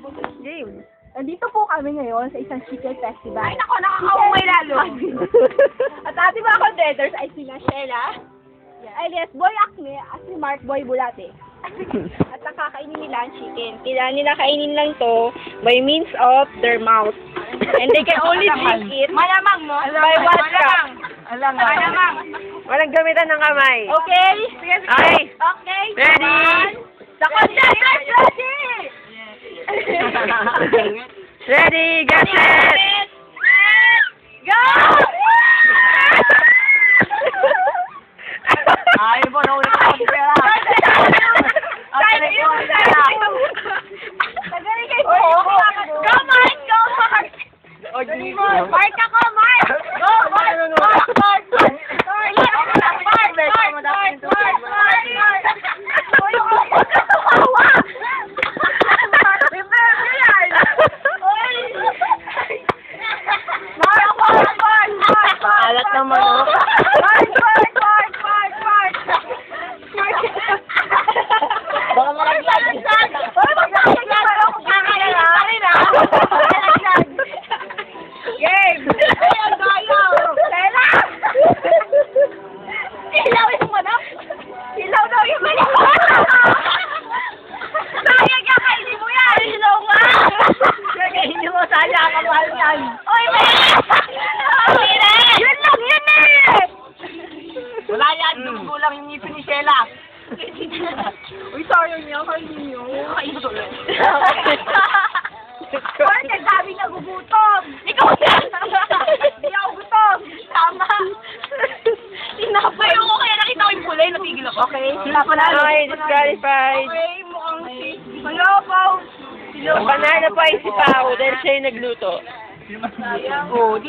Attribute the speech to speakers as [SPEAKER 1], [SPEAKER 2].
[SPEAKER 1] Game.
[SPEAKER 2] Nandito po kami ngayon sa isang chicken festival.
[SPEAKER 1] Ay, nako, nakakaumay lalo.
[SPEAKER 2] At ating mga contenders ay sina Sheila, alias Boy Acne, at si Mark Boy Bulate. At nakakainin nila ang chicken. Kailangan nila kainin lang to by means of their mouth. And they can only drink it
[SPEAKER 1] Malamang, no?
[SPEAKER 2] by one cup.
[SPEAKER 1] Malamang.
[SPEAKER 3] Walang gamitan ng kamay.
[SPEAKER 2] Okay?
[SPEAKER 3] Okay.
[SPEAKER 2] Okay.
[SPEAKER 3] Ready?
[SPEAKER 2] The contenders ready!
[SPEAKER 3] Ready, get set!
[SPEAKER 2] Go!
[SPEAKER 1] Ay, mo, nauna ka ako pera.
[SPEAKER 2] Thank you! Tagaling kayo po! Go, Mark! Go, Mark! Mark ako, Mark! Go, Mark! Mark! Mark!
[SPEAKER 3] Alat naman, oh.
[SPEAKER 1] Baka malaglag.
[SPEAKER 2] Game! Ay, ang gayaw! Lela! Ilaw yung manok! Ilaw daw yung manok! Sayang ka, kainin mo yan! Ilaw nga! Kainin mo, sayang ka, mahal yan! Oy, yun lang, yun eh!
[SPEAKER 1] Wala yan, dumugo lang yung ngipin ni Sheila.
[SPEAKER 2] Uy, sayang niya, kainin niyo.
[SPEAKER 1] Kain mo ulit.
[SPEAKER 2] Bakit ang dami nagugutom? Ikaw yan! Hindi ako gutom! Tama! Tinapay ako kaya nakita ko yung kulay, natigil ako. Okay, sila pala.
[SPEAKER 3] Okay, disqualified.
[SPEAKER 2] Okay, mukhang si... Wala pa!
[SPEAKER 3] Panalo pa si Pao dahil siya yung nagluto.
[SPEAKER 2] Sayang.
[SPEAKER 1] Oh,